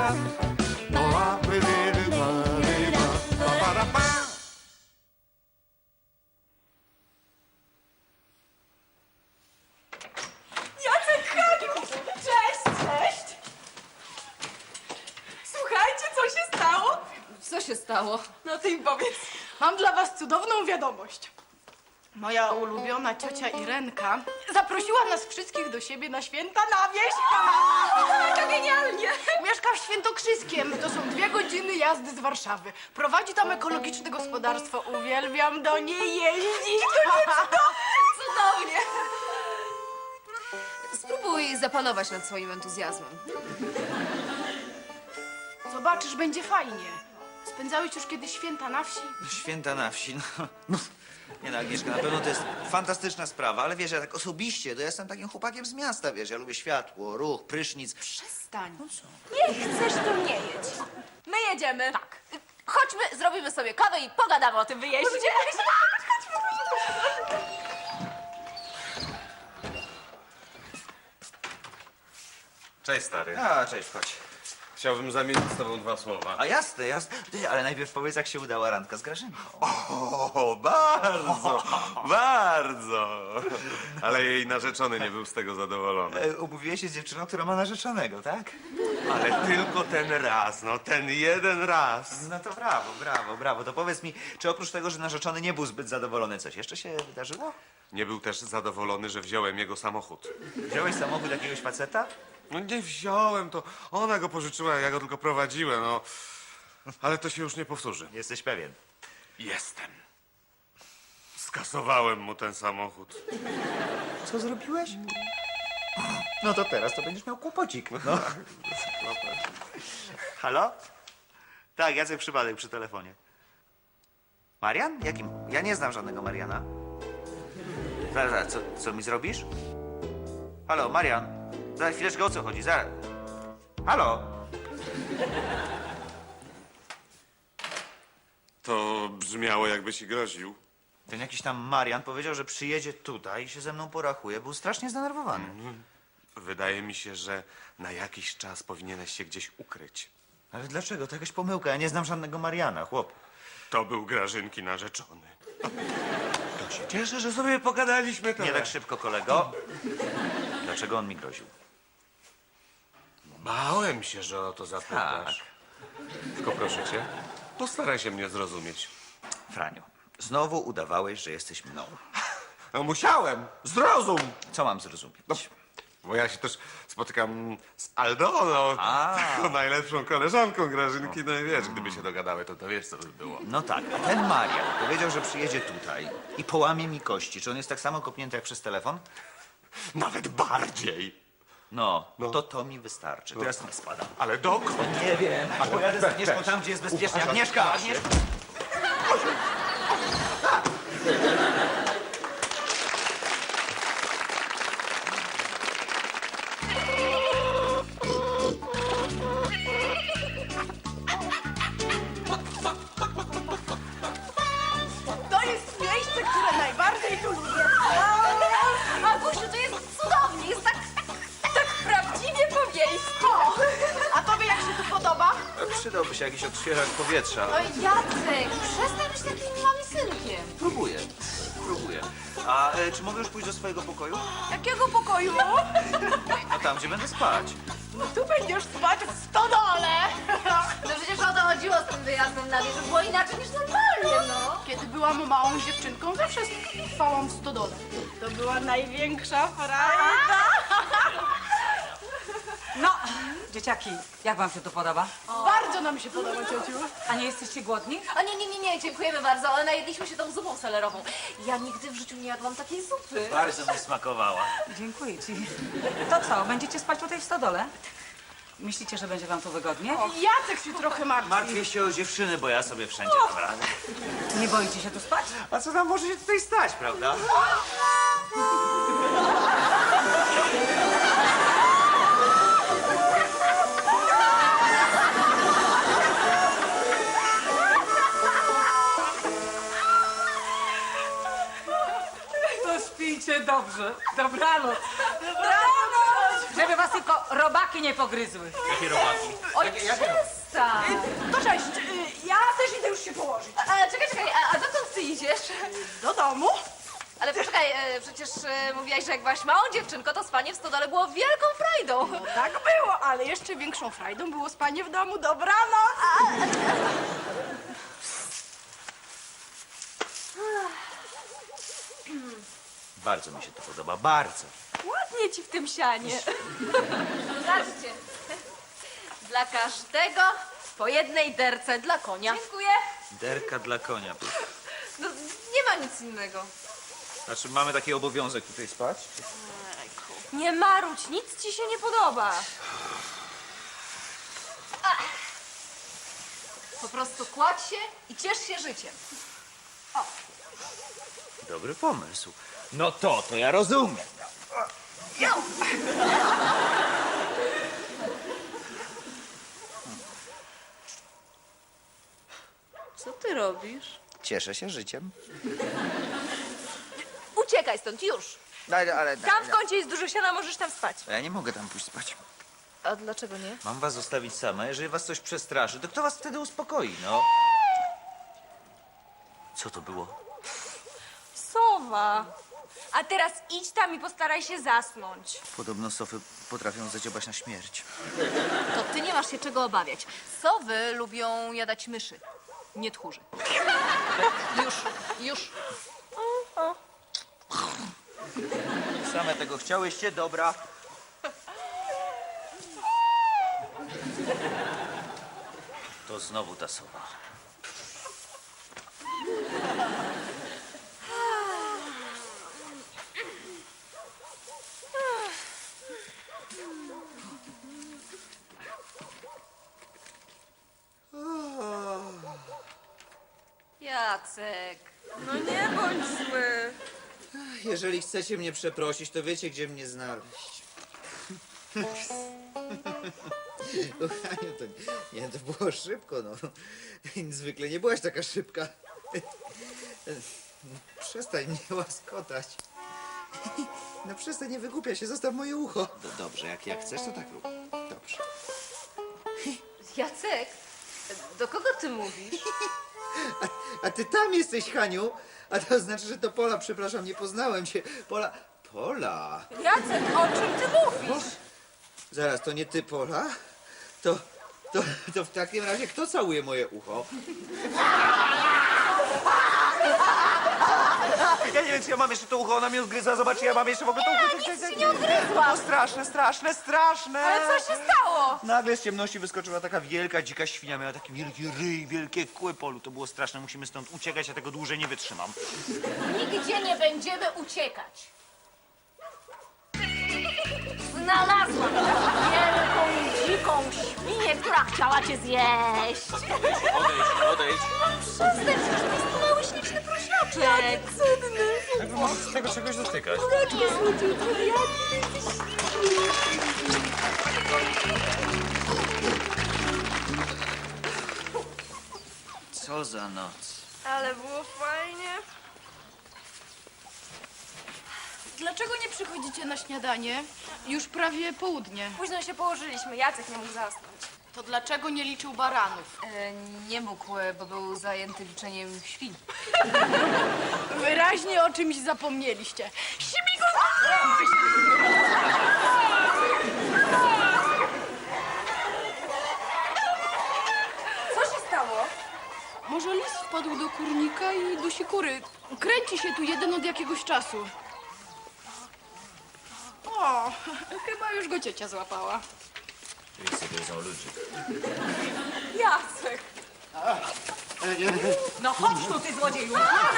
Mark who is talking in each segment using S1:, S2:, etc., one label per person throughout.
S1: Jacek, Haniu! Cześć, cześć! Słuchajcie, co się stało?
S2: Co się stało?
S1: No ty im powiedz. Mam dla was cudowną wiadomość. Moja ulubiona ciocia Irenka zaprosiła nas wszystkich do siebie na święta na wieś. To genialnie! Mieszka w Świętokrzyskiem. To są 2 godziny jazdy z Warszawy. Prowadzi tam ekologiczne gospodarstwo. Uwielbiam do niej jeździć.
S2: Cudownie! Spróbuj zapanować nad swoim entuzjazmem.
S1: Zobaczysz, będzie fajnie. Spędzałeś już kiedyś święta na wsi?
S3: Święta na wsi, no. Nie no, Agnieszka, na pewno to jest fantastyczna sprawa, ale wiesz, ja tak osobiście, to ja jestem takim chłopakiem z miasta, wiesz, ja lubię światło, ruch, prysznic.
S1: Przestań.
S2: Nie chcesz, to nie jedź. My jedziemy. Tak. Chodźmy, zrobimy sobie kawę i pogadamy o tym wyjeździe.
S4: Cześć, stary.
S3: A, cześć, chodź.
S4: Chciałbym zamienić z tobą 2 słowa.
S3: A jasne, jasne. Ty, ale najpierw powiedz, jak się udała randka z Grażynką.
S4: O, bardzo, bardzo. Ale jej narzeczony nie był z tego zadowolony.
S3: Umówiłeś się z dziewczyną, która ma narzeczonego, tak?
S4: Ale tylko ten raz, no ten jeden raz.
S3: No to brawo, brawo, brawo. To powiedz mi, czy oprócz tego, że narzeczony nie był zbyt zadowolony, coś jeszcze się wydarzyło?
S4: Nie był też zadowolony, że wziąłem jego samochód.
S3: Wziąłeś samochód jakiegoś faceta?
S4: No nie wziąłem, to ona go pożyczyła, ja go tylko prowadziłem, no. Ale to się już nie powtórzy.
S3: Jesteś pewien?
S4: Jestem. Skasowałem mu ten samochód.
S3: Co zrobiłeś? No to teraz to będziesz miał kłopocik. No. Halo? Tak, Jacek Przypadek przy telefonie. Marian? Jakim? Ja nie znam żadnego Mariana. Zaraz, co mi zrobisz? Halo, Marian? Za chwileczkę, o co chodzi? Zaraz. Halo?
S4: To brzmiało, jakby ci groził.
S3: Ten jakiś tam Marian powiedział, że przyjedzie tutaj i się ze mną porachuje. Był strasznie zdenerwowany.
S4: Wydaje mi się, że na jakiś czas powinieneś się gdzieś ukryć.
S3: Ale dlaczego? To jakaś pomyłka. Ja nie znam żadnego Mariana, chłop.
S4: To był Grażynki narzeczony. To się cieszę, że sobie pogadaliśmy teraz.
S3: Nie tak szybko, kolego. Dlaczego on mi groził?
S4: Bałem się, że o to zapytasz. Tylko proszę cię, postaraj się mnie zrozumieć.
S3: Franiu, znowu udawałeś, że jesteś mną.
S4: No musiałem! Zrozum!
S3: Co mam zrozumieć?
S4: Bo ja się też spotykam z Aldoną, taką najlepszą koleżanką Grażynki. No i wiesz, gdyby się dogadały, to wiesz, co by było.
S3: No tak, a ten Marian powiedział, że przyjedzie tutaj i połamie mi kości. Czy on jest tak samo kopnięty jak przez telefon?
S4: Nawet bardziej.
S3: No, to mi wystarczy. To ja stąd spadam.
S4: Ale dokąd?
S3: Nie wiem. Pojadę z Agnieszką tam, gdzie jest bezpiecznie. Agnieszka! Agnieszka!
S1: To jest miejsce, które najbardziej tu lubię.
S2: Agusiu, to jest cudownie, jest tak prawdziwie po wiejsku.
S1: A tobie jak się tu podoba?
S3: Przydałby się jakiś odświeżacz powietrza.
S2: Oj, Jacek, przestań być takim małym synkiem.
S3: Próbuję. A czy mogę już pójść do swojego pokoju?
S1: Jakiego pokoju?
S3: No tam, gdzie będę spać.
S1: No tu będziesz spać w stodole.
S2: No przecież o to chodziło z tym wyjazdem na wieś, to było inaczej niż normalnie, no.
S1: Kiedy byłam małą dziewczynką, zawsze spałam w stodole. To była największa frajda.
S5: No, dzieciaki, jak wam się to podoba?
S1: Bardzo nam się podoba, ciociu.
S5: A nie jesteście głodni?
S2: A nie, dziękujemy bardzo, ale najedliśmy się tą zupą selerową. Ja nigdy w życiu nie jadłam takiej zupy.
S3: Bardzo mi smakowała.
S5: Dziękuję ci. To co, będziecie spać tutaj w stodole? Myślicie, że będzie wam tu wygodnie?
S1: Jacek się trochę martwi.
S3: Martwię się o dziewczyny, bo ja sobie wszędzie dam radę.
S5: Nie boicie się tu spać?
S3: A co tam może się tutaj stać, prawda?
S5: To śpijcie dobrze. Dobranoc. Żeby was tylko robaki nie pogryzły.
S3: Jakie robaki?
S2: Oj, przestań!
S1: To cześć, ja też idę już się położyć.
S2: Czekaj, a dokąd ty idziesz?
S1: Do domu?
S2: Ale poczekaj, przecież mówiłaś, że jak byłaś małą dziewczynką, to spanie w stodole było wielką frajdą.
S1: No tak było, ale jeszcze większą frajdą było spanie w domu. Dobranoc!
S3: Bardzo mi się to podoba, bardzo.
S2: Ładnie ci w tym sianie. Zobaczcie. Dla każdego po jednej derce dla konia. Dziękuję.
S3: Derka dla konia.
S2: No, nie ma nic innego.
S3: Znaczy, mamy taki obowiązek tutaj spać?
S2: Nie marudź, nic ci się nie podoba. Ach. Po prostu kładź się i ciesz się życiem.
S3: Dobry pomysł. No to ja rozumiem.
S2: Co ty robisz?
S3: Cieszę się życiem.
S2: Uciekaj stąd, już.
S3: Ale
S2: Tam w kącie jest dużo siana, możesz tam spać.
S3: ja nie mogę tam pójść spać.
S2: A dlaczego nie?
S3: Mam was zostawić same. Jeżeli was coś przestraszy, to kto was wtedy uspokoi, no? Co to było?
S2: Sowa. A teraz idź tam i postaraj się zasnąć.
S3: Podobno sofy potrafią zadziobać na śmierć.
S2: To ty nie masz się czego obawiać. Sowy lubią jadać myszy, nie tchórzy. Już.
S3: Same tego chciałyście, dobra. To znowu ta sowa.
S2: Jacek, no nie bądź zły.
S3: Jeżeli chcecie mnie przeprosić, to wiecie, gdzie mnie znaleźć. Kochanie, to było szybko, no. Zwykle nie byłaś taka szybka. Przestań mnie łaskotać. No przestań, nie wygłupia się, zostaw moje ucho. Dobrze, jak chcesz, to tak rób. Dobrze.
S2: Jacek, do kogo ty mówisz?
S3: A ty tam jesteś, Haniu? A to znaczy, że to Pola, przepraszam, nie poznałem cię. Pola?
S2: Jacek, o czym ty mówisz?
S3: Zaraz, to nie ty, Pola? To w takim razie kto całuje moje ucho? Ja nie wiem, czy ja mam jeszcze to ucho, ona mnie odgryza, zobacz, ja mam jeszcze w ogóle to ucho.
S2: Nic ci nie odgryzłam.
S3: To straszne.
S2: Ale co się stało?
S3: Nagle z ciemności wyskoczyła taka wielka, dzika świnia, miała taki wielki ryj, wielkie kły, Polu. To było straszne, musimy stąd uciekać, ja tego dłużej nie wytrzymam.
S2: Nigdzie nie będziemy uciekać. Znalazłam wielką, dziką świnię, która chciała cię zjeść.
S3: Odejdź.
S2: Przestań, przecież to jest mały, śliczny prosiaczek. Jaki cudny.
S4: Jak mam z tego czegoś dotykać?
S2: Jaki słodziutki, jaki jesteś
S3: Co za noc.
S1: Ale było fajnie. Dlaczego nie przychodzicie na śniadanie? Już prawie południe.
S2: Późno się położyliśmy, Jacek nie mógł zasnąć.
S1: To dlaczego nie liczył baranów?
S2: Nie mógł, bo był zajęty liczeniem świń.
S1: Wyraźnie o czymś zapomnieliście.
S2: Co się stało?
S1: Może lis wpadł do kurnika i dusi kury. Kręci się tu jeden od jakiegoś czasu. O, chyba już go ciocia złapała.
S3: Lisy gryzą ludzi.
S2: Jacek!
S5: No chodź tu, ty złodzieju!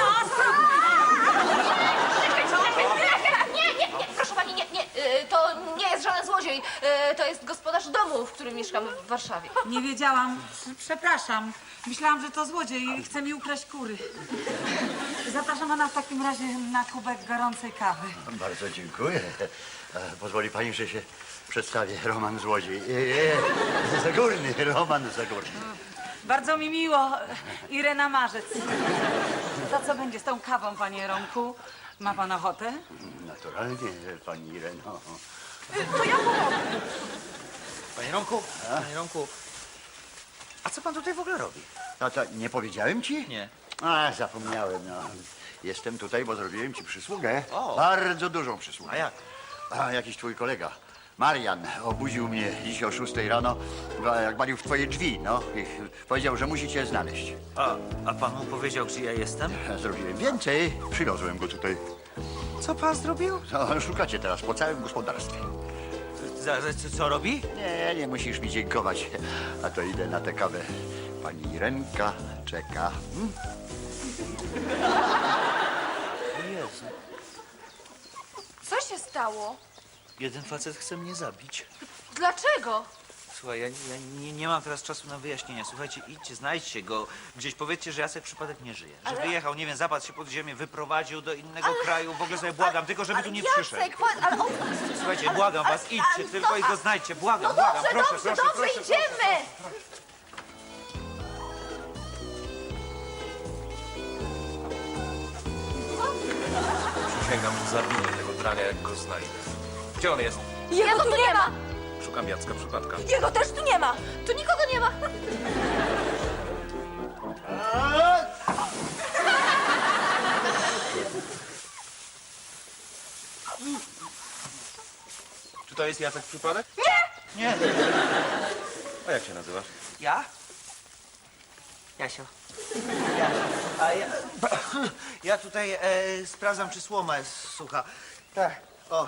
S2: Nie, proszę pani, nie. To nie jest żaden złodziej. To jest gospodarz domu, w którym mieszkamy w Warszawie.
S5: Nie wiedziałam. Przepraszam. Myślałam, że to złodziej i chce mi ukraść kury. Zapraszam pana w takim razie na kubek gorącej kawy.
S6: Bardzo dziękuję. Pozwoli pani, że się przedstawię. Roman Złodziej. Zagórny, Roman Zagórny.
S5: Bardzo mi miło. Irena Marzec. To co będzie z tą kawą, panie Romku? Ma pan ochotę?
S6: Naturalnie, pani Ireno.
S3: Panie Romku, A co pan tutaj w ogóle robi?
S6: No to nie powiedziałem ci?
S3: Nie.
S6: A, zapomniałem, no. Jestem tutaj, bo zrobiłem ci przysługę.
S3: O.
S6: Bardzo dużą przysługę.
S3: A jak?
S6: A jakiś twój kolega, Marian, obudził mnie dziś o 6 rano, jak walił w twoje drzwi, no. I powiedział, że musi cię znaleźć.
S3: A pan mu powiedział, gdzie ja jestem?
S6: Ja zrobiłem więcej. Przywiozłem go tutaj.
S3: Co pan zrobił?
S6: No, szukacie teraz po całym gospodarstwie.
S3: Co robi?
S6: Nie musisz mi dziękować. A to idę na tę kawę. Pani Irenka czeka.
S3: O Jezu.
S2: Co się stało?
S3: Jeden facet chce mnie zabić.
S2: Dlaczego?
S3: Słuchaj, ja nie mam teraz czasu na wyjaśnienia. Słuchajcie, idźcie, znajdźcie go. Gdzieś powiedzcie, że Jacek przypadek nie żyje. Że wyjechał, nie wiem, zapadł się pod ziemię, wyprowadził do innego kraju. W ogóle sobie błagam, tylko żeby tu nie przyszedł.
S2: Jacek, ale on...
S3: Słuchajcie, błagam was, idźcie tylko i go znajdźcie. Błagam, błagam, proszę.
S2: idziemy!
S4: Przysięgam, że zabiję tego drania, jak go znajdę. Gdzie on jest?
S2: Jego tu nie ma!
S4: Szukam Jacka przypadka.
S2: Jego też tu nie ma! Tu nikogo nie ma!
S4: Czy to jest Jacek przypadek?
S3: Nie.
S4: A jak się nazywasz?
S3: Ja? Jasio. Ja tutaj sprawdzam, czy słoma jest sucha. Tak. O.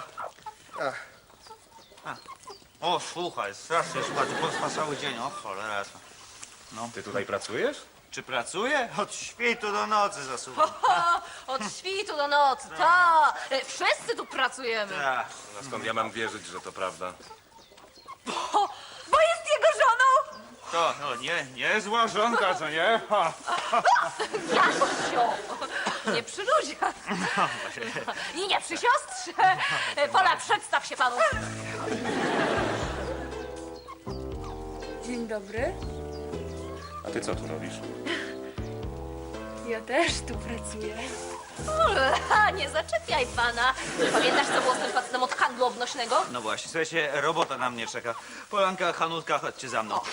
S3: O, sucha jest, strasznie sucha. Tu potrwa cały dzień. O, cholera.
S4: Ty tutaj pracujesz?
S3: Czy pracuję? Od świtu do nocy zasuwam.
S2: Od świtu do nocy, ta! Wszyscy tu pracujemy.
S3: Tak.
S4: A skąd ja mam wierzyć, że to prawda?
S2: Bo jest jego żoną!
S3: To, no nie zła żonka, co nie? Ha.
S2: Jasio! Nie przy ludziach. I nie przy siostrze. Pola, przedstaw się panu.
S7: Dzień dobry.
S4: A ty co tu robisz?
S7: Ja też tu pracuję.
S2: Nie zaczepiaj pana. Pamiętasz, co było z tym facetem od handlu obnośnego?
S3: No właśnie, słuchajcie, robota na mnie czeka. Polanka, Hanutka, chodźcie za mną.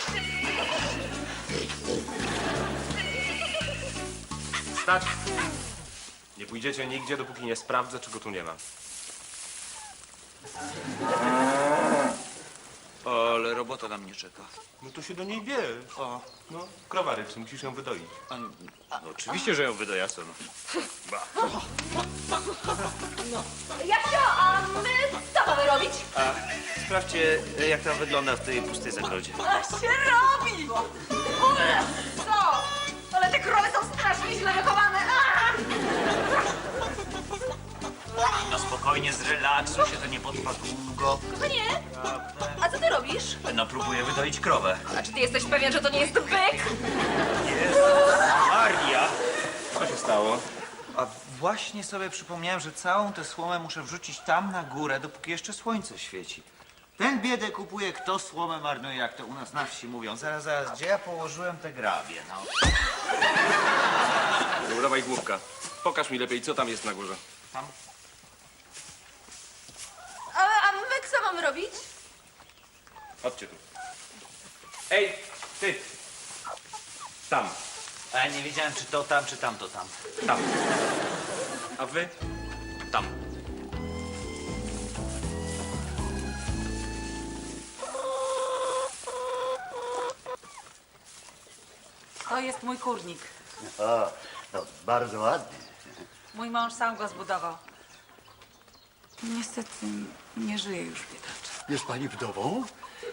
S4: Stać! Nie pójdziecie nigdzie, dopóki nie sprawdzę, czego tu nie ma.
S3: Ale robota na mnie czeka.
S4: No to się do niej bierz.
S3: O,
S4: No, krowa rybcy, musisz ją wydoić.
S3: no oczywiście, że ją wydaję, co no.
S2: Jasio, a my co mamy robić?
S3: Sprawdźcie, jak tam wygląda w tej pustej zagrodzie.
S2: A się robi! Co? Ale te krowy są strasznie źle wychowane.
S3: No spokojnie, zrelaksuj się, to nie potrwa długo.
S2: Kochanie, a co ty robisz?
S3: No próbuję wydoić krowę.
S2: A czy ty jesteś pewien, że to nie jest byk?
S3: Maria!
S4: Co się stało?
S3: A właśnie sobie przypomniałem, że całą tę słomę muszę wrzucić tam na górę, dopóki jeszcze słońce świeci. Ten biedę kupuje, kto słomę marnuje, jak to u nas na wsi mówią. Zaraz, gdzie ja położyłem te grabie, no?
S4: Nie udawaj główka. Pokaż mi lepiej, co tam jest na górze.
S3: Tam?
S2: A my co mamy robić?
S4: Chodźcie tu. Ej, ty! Tam,
S3: A ja nie wiedziałem, czy to tam, czy tamto tam.
S4: tam. A wy? Tam.
S5: To jest mój kurnik.
S6: O, no, bardzo ładny.
S5: Mój mąż sam go zbudował. Niestety nie żyje już biedaczek.
S6: Jest pani wdową?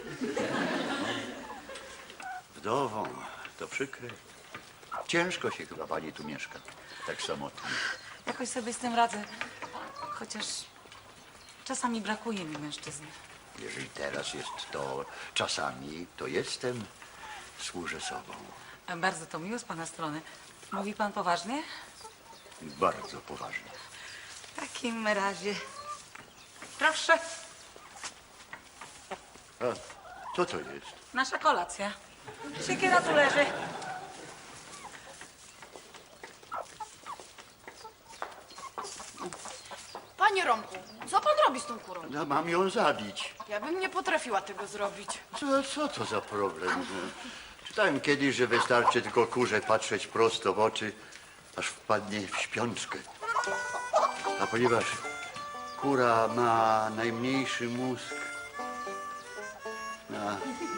S6: Wdową, to przykre. Ciężko się chyba pani tu mieszka, tak samotnie.
S5: Jakoś sobie z tym radzę. Chociaż czasami brakuje mi mężczyzny.
S6: Jeżeli teraz jest to czasami, to jestem, służę sobą.
S5: Bardzo to miło z pana strony. Mówi pan poważnie?
S6: Bardzo poważnie.
S5: W takim razie... Proszę,
S6: A co to jest?
S5: nasza kolacja. Siekiera tu leży.
S1: Panie Romku, co pan robi z tą kurą?
S6: No, mam ją zabić.
S1: Ja bym nie potrafiła tego zrobić.
S6: Co to za problem? Czytałem kiedyś, że wystarczy tylko kurze patrzeć prosto w oczy, aż wpadnie w śpiączkę. A ponieważ kura ma najmniejszy mózg na...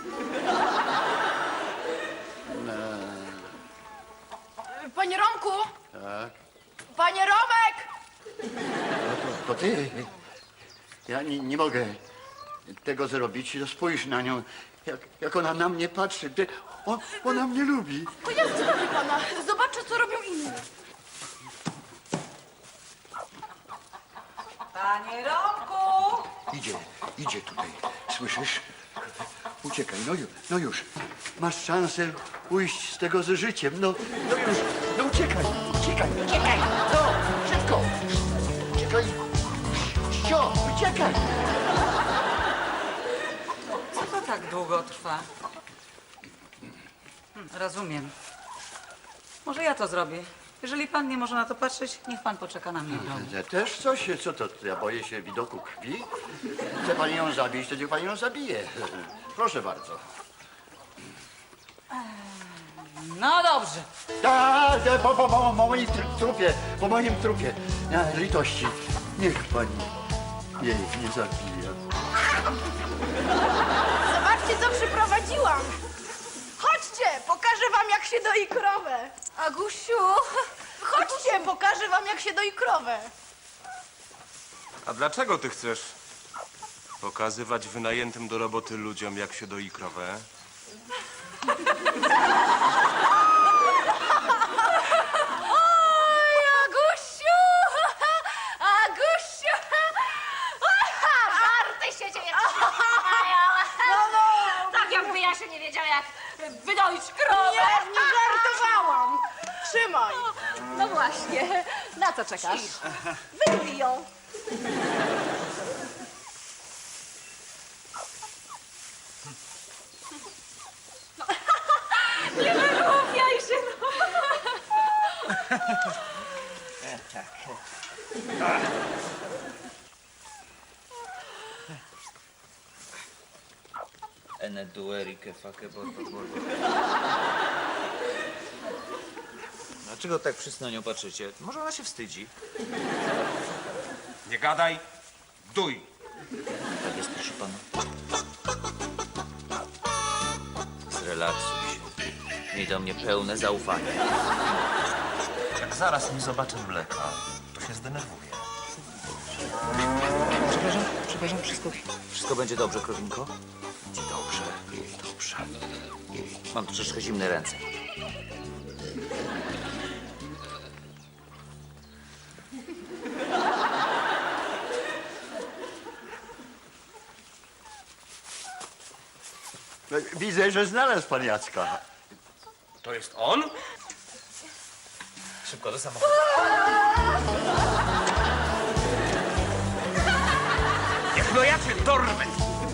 S1: Panie Romku!
S6: Tak?
S1: Panie Romek!
S6: To ty? Ja nie mogę tego zrobić. No spójrz na nią, jak ona na mnie patrzy. Ona mnie lubi.
S1: To ja zrobię pana. Zobaczę, co robią inni.
S5: Panie Romku!
S6: Idzie tutaj. Słyszysz? Uciekaj, no już. Masz szansę ujść z tego z życiem. No już, no uciekaj. No, szybko. Uciekaj. Uciekaj.
S5: Co to tak długo trwa? Rozumiem. Może ja to zrobię. Jeżeli pan nie może na to patrzeć, niech pan poczeka na mnie w domu.
S6: Też coś? Co to? Ja boję się widoku krwi. Chce pani ją zabić, to niech pani ją zabije. Proszę bardzo.
S5: No dobrze.
S6: Po moim trupie, po moim trupie. Litości. Niech pani jej nie zabija.
S1: Zobaczcie, co przyprowadziłam. Chodźcie, pokażę wam, jak się doi krowę.
S2: Agusiu!
S1: Chodźcie, pokażę wam, jak się doi krowę.
S4: A dlaczego ty chcesz pokazywać wynajętym do roboty ludziom, jak się doi krowę?
S2: Oj, Agusiu! Agusiu! Żarty się dzieje! Tak jakby ja się nie wiedziała, jak wydoić krowę.
S1: Nie żartowałam. Trzymaj.
S2: No właśnie, na co czekasz? Wyjmij ją. No. Nie wygłupiaj się, no.
S3: Ene dueri che fa che borbo borbo. Dlaczego tak wszyscy na nią patrzycie? Może ona się wstydzi?
S4: Nie gadaj, duj.
S3: Tak jest, proszę pana. Zrelaksuj się. Miej do mnie pełne zaufanie.
S8: Jak zaraz nie zobaczę mleka, to się zdenerwuję.
S3: Przepraszam, wszystko będzie dobrze, krowinko? Będzie dobrze. Mam troszeczkę zimne ręce.
S6: Widzę, że znalazł pan Jacka.
S4: To jest on?
S8: Szybko do samochodu.
S4: Jak no ja cię dorwę!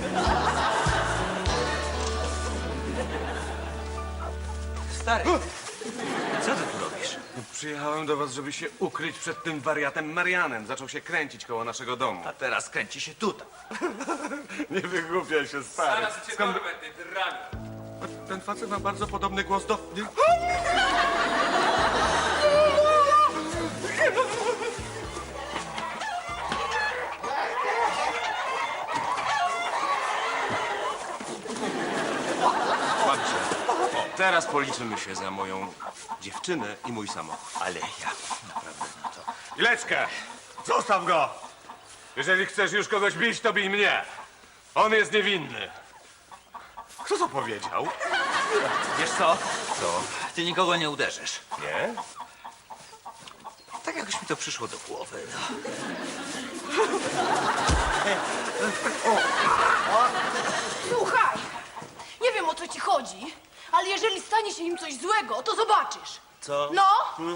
S3: Stary, co ty tu robisz?
S4: Przyjechałem do was, żeby się ukryć przed tym wariatem Marianem. Zaczął się kręcić koło naszego domu.
S3: A teraz kręci się tutaj.
S4: Nie wygłupiaj się, stary. Skąd... Ten facet ma bardzo podobny głos do... Mam cię. O, teraz policzymy się za moją dziewczynę i mój samochód.
S3: Ale ja naprawdę na to...
S4: Ileczkę! Zostaw go! Jeżeli chcesz już kogoś bić, to bij mnie. On jest niewinny. Kto to powiedział?
S3: Wiesz co? Co? Ty nikogo nie uderzysz.
S4: Nie?
S3: Tak jakoś mi to przyszło do głowy. No.
S1: Słuchaj, nie wiem, o co ci chodzi, ale jeżeli stanie się im coś złego, to zobaczysz.
S3: Co?
S1: No!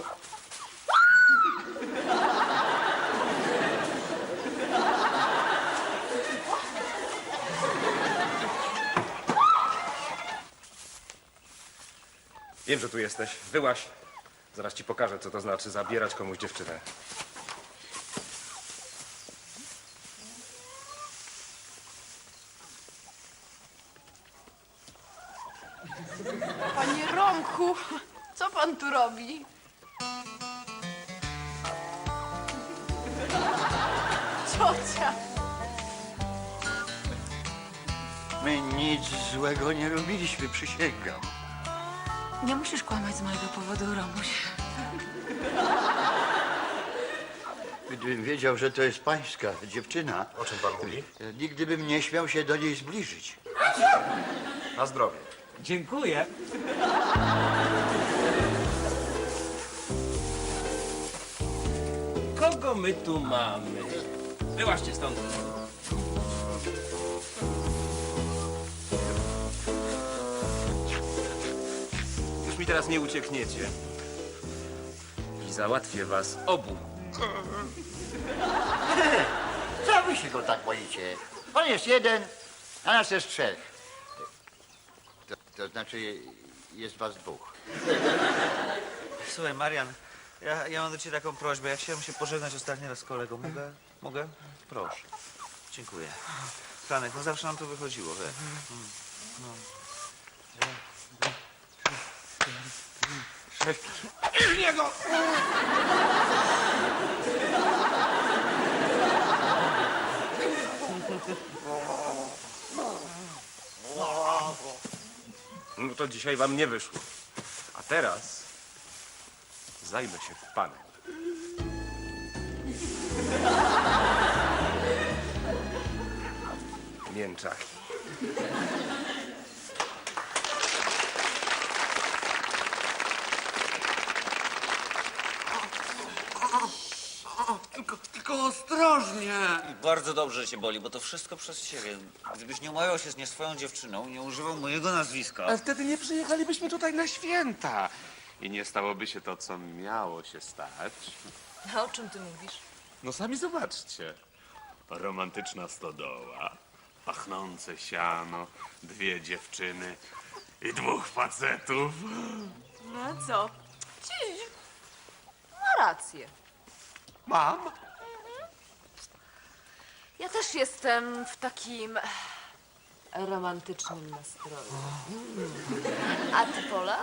S4: Wiem, że tu jesteś. Wyłaź. Zaraz ci pokażę, co to znaczy zabierać komuś dziewczynę.
S1: Panie Romku, co pan tu robi? Ciocia.
S6: My nic złego nie robiliśmy, przysięgam.
S5: Nie musisz kłamać z mojego powodu, Romuś.
S6: Gdybym wiedział, że to jest pańska dziewczyna,
S8: O czym pan mówi?
S6: nigdy bym nie śmiał się do niej zbliżyć.
S8: Na zdrowie.
S9: Dziękuję. Kogo my tu mamy? Wyłaźcie stąd. Już mi teraz nie uciekniecie. I załatwię was obu.
S6: Co wy się go tak boicie? On jest jeden, a nas jest trzech. To znaczy, jest was dwóch.
S3: Słuchaj, Marian, ja mam do ciebie taką prośbę. Ja chciałem się pożegnać ostatni raz z kolegą. Mogę? Mogę? Proszę. Dziękuję. Franek, no zawsze nam to wychodziło, wiesz.
S4: No to dzisiaj wam nie wyszło. A teraz zajmę się panem. Mięczaki.
S6: Tylko ostrożnie.
S3: Bardzo dobrze cię boli, bo to wszystko przez ciebie. Gdybyś nie umawiał się z nie swoją dziewczyną, nie używał mojego nazwiska.
S4: Ale wtedy nie przyjechalibyśmy tutaj na święta. I nie stałoby się to, co miało się stać.
S2: A o czym ty mówisz?
S4: No sami zobaczcie. Romantyczna stodoła, pachnące siano, dwie dziewczyny i dwóch facetów.
S2: No co? Ma rację.
S4: Mam?
S2: Ja też jestem w takim romantycznym nastroju. A ty, Pola?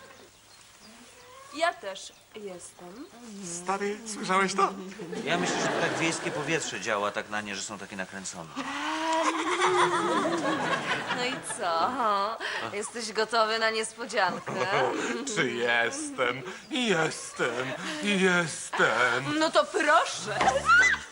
S2: Ja też jestem.
S4: Stary, słyszałeś to?
S3: Ja myślę, że to tak wiejskie powietrze działa tak na nie, że są takie nakręcone.
S2: No i co? Jesteś gotowy na niespodziankę?
S4: Czy jestem? Jestem.
S2: No to proszę.